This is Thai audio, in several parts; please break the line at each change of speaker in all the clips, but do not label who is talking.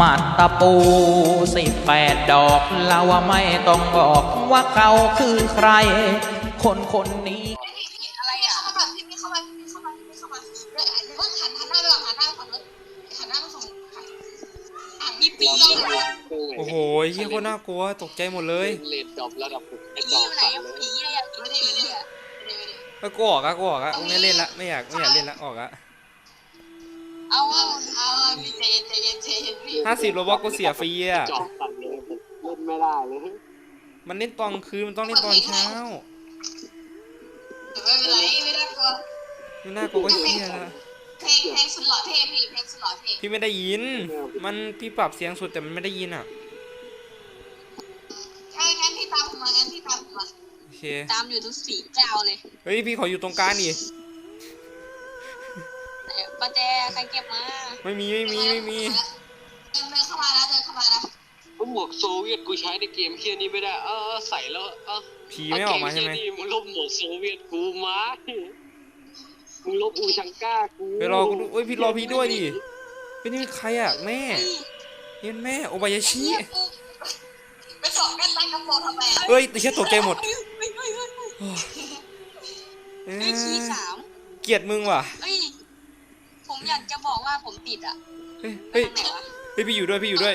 มาตะปู18 ดอกเราว่าไม่ต้องบอกว่าเขาคือใคร คนนี้
อะไรอ่ะเข้ามาพี่เข้ามาพี่เข้ามาพี่เข้ามาเดี๋ยวเพิ่งหันหน้าไปก่อนหันหน้าไปก่อนเลยหันหน้าไปส่งมีปี
โอ้โหเฮียโคตรน่ากลัวตกใจหมดเลย
เลนดรอประดับไอ้จ
ปี
อ
อยู่ไหน
สั่นเลย
ผีอะไรอ่ะไม่ได้อ่ะ
กูออกอะไม่เล่นละไม่อยากเล่นละออกอะ
เอาพี่เจนพี่
50 โลบัคกูเสียฟรีอะ
จอสั่นเลยเล่นไม่ได้เลย
มันเล่นตอนคืนมันต้องเล่นตอนเช้า
ไม่เป็นไรไม่น่ากลัว
ไม่น่ากลัวก็เฮียละ
เพลงสุดหล่อเท่พี่เพลงสุดหล่อเท่
พี่ไม่ได้ยินพี่ปรับเสียงสุดแต่มันไม่ได้ยินอะ
งั้นพี่ตามผมมา
โอเค
ตามอยู่ทุกสี่เจ้าเลย
เฮ้ยพี่ขออยู่ตรงกลางดิ
ประแจใครเก็บมา
ไม่มี
เดินเข้ามาแล้ว
หมวกโซเวียตกูใช้ในเกมเฮียนี้ไม่ได้ใส่แล้ว
ผีไม่ออกมาใช่ไหม
มึงลบหมวกโซเวียตกูมามึงลบอูชังก้ากู
ไปรอกูด้วยพี่รอพี่ด้วยดิเป็นนี่ใครอะแม่เห็นแม่โอบายาชิ
ไปสอบแม่ตั้งกระโปรงทำไม
เฮ้ยแต่เชี่ยตกใจหมด
ขี้สาม
เกลียดมึงว่ะ
ผมอยากจะบอกว่าผมติดอ่ะ
เฮ้ยพี่อยู่ด้วยไปด้วย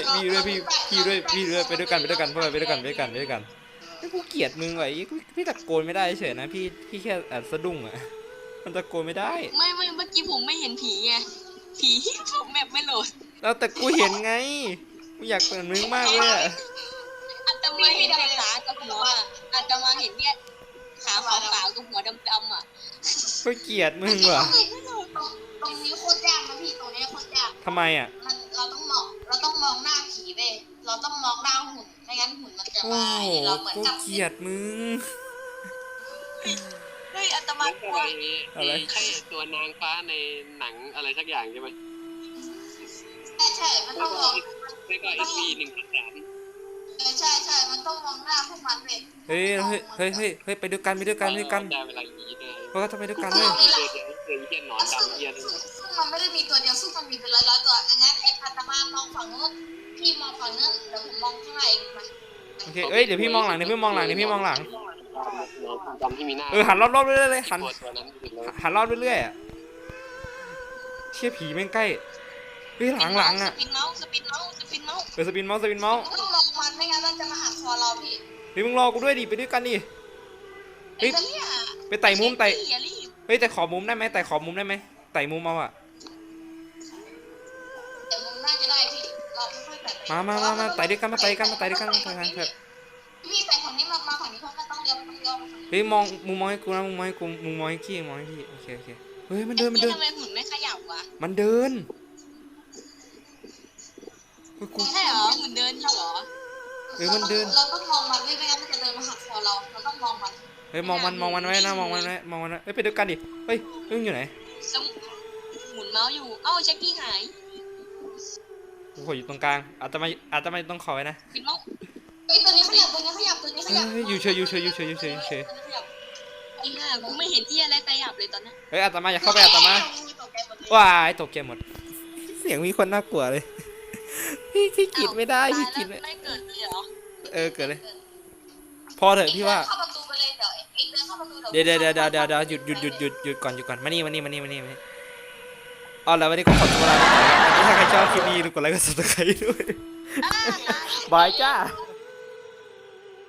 กันพวกเราไปด้วยกันกูเกลียดมึงว่ะพี่ตะโกนไม่ได้เฉยนะพี่แค่สะดุ้งอ่ะมันตะโกนไม่ได้
ไม่เมื่อกี้ผมไม่เห็นผีไงผีผมแบบไม่โหลด
แล้วแต่กูเห็นไงกูอยากเปิดมึงมากเลยอ่ะ
อาตมาเห็นแต่ขากับหัวอาตมาเห็นเนี่ยขาขาวๆกับหัวดำๆอ่ะ
กูเกลียดมึงว่ะ
ตรงนี้โคตรยากนะพี่ตรงนี้โคตรยาก
ทำไมอ่ะ
เราต้องมองหน้าผีเว้ยเราต้องมองหน้าหุ่นไม่งั้นหุ่นมันจะมาเราเหมือนกับ
เกลียดมึง
เฮ้ยอาตมากลัว
อะไรใช่ตัวนางฟ้าในหนังอะไรสักอย่างใช่ไหม
ใช่มันต้องมอง
ไม่ก็FV1-3
ใช่มันต้องมองหน้าพวกมันเลย
เฮ้ยไปด้วยกัน
ได้เวลายีได้
เพราะก็จะไปด้วยกันเลย
เฮียหนอนดำเฮีย
มันไม่ได้มีตัวเดียวซึ่งมันมีเป็นร้อยตัวงั้นไอ้อาตมามองฝั่งนู้นพี่มองฝั่งนู้นเดี๋ยวผมมองข้างในมา
โอเคเดี๋ยวพี่มองหลัง
ดำที่มีหน้า
หันรอบๆเรื่อยๆเลยหันรอบเรื่อยๆอ่ะเชี่ยผีแม่งใกล้เฮ้ยหลังอ่ะ
สปินเมาส์
สปินเมาส์
ต้องมองมันไม่งั้นมันจะมาหักคอเราพี่
เฮ้ยมึงรอกูด้วยดิไปด้วยกันดิเฮ้ยไปไต่มุมเฮ้ยแต่ขอมุมได้ไหมไต่มุมเอาอ่ะ
แต่มุมน่าจะได้พี่เราค่อยๆไต่
มาไต่ด้วยกันเถอะ
พี่ไต่ฝั่งนี้มาฝั่งนี้เพราะมันต้องเลี้ยว
เฮ้ยมึงมองให้กูนะมึงมองให้พี่โอเคเฮ้ยมันเดิน
ทำไมหุ่นไม่ขยับวะ
มันเดิน
ใช่เหรอหุ่นเดินอยู่เหรอ
มันเดิน
เราต้องมองมันไม่งั้นมันจะเดินมาหักคอเราต้องมองมัน
เฮ้ยมองมันไว้นะเฮ้ยไปด้วยกันดิเฮ้ยอยู่ไหน
หมุนเมาส์อยู่แจ็คกี้หาย
กูขออยู่ตรงกลางอาจจะไม่ต้องขอไว้นะ
ปิดเมาส์ตัวนี้ขยับ
อยู่เฉย
ไอ้ห่ากูไม่เห็นที่อะไรขยับเลยตอนนี้
เฮ้ยอาตมาอย่าเข้าไปอาตมาว้ายตกใจหมดเสียงมีคนน่ากลัวเลยพี่กิดไม่ได้พี่กิด
ไม่เกิดเลยเหรอ
เกิดเลยพอเถอะพี่ว่า
เข้าประตูไปเลยเดินเข้าประตู
เดี๋ยวหยุดก่อนมานี่เอาแล้ววันนี้ก็ขอตัวลาไปก่อนถ้าใครชอบคลิปนี้กดไลค์กด Subscribe ด้วยบายจ้า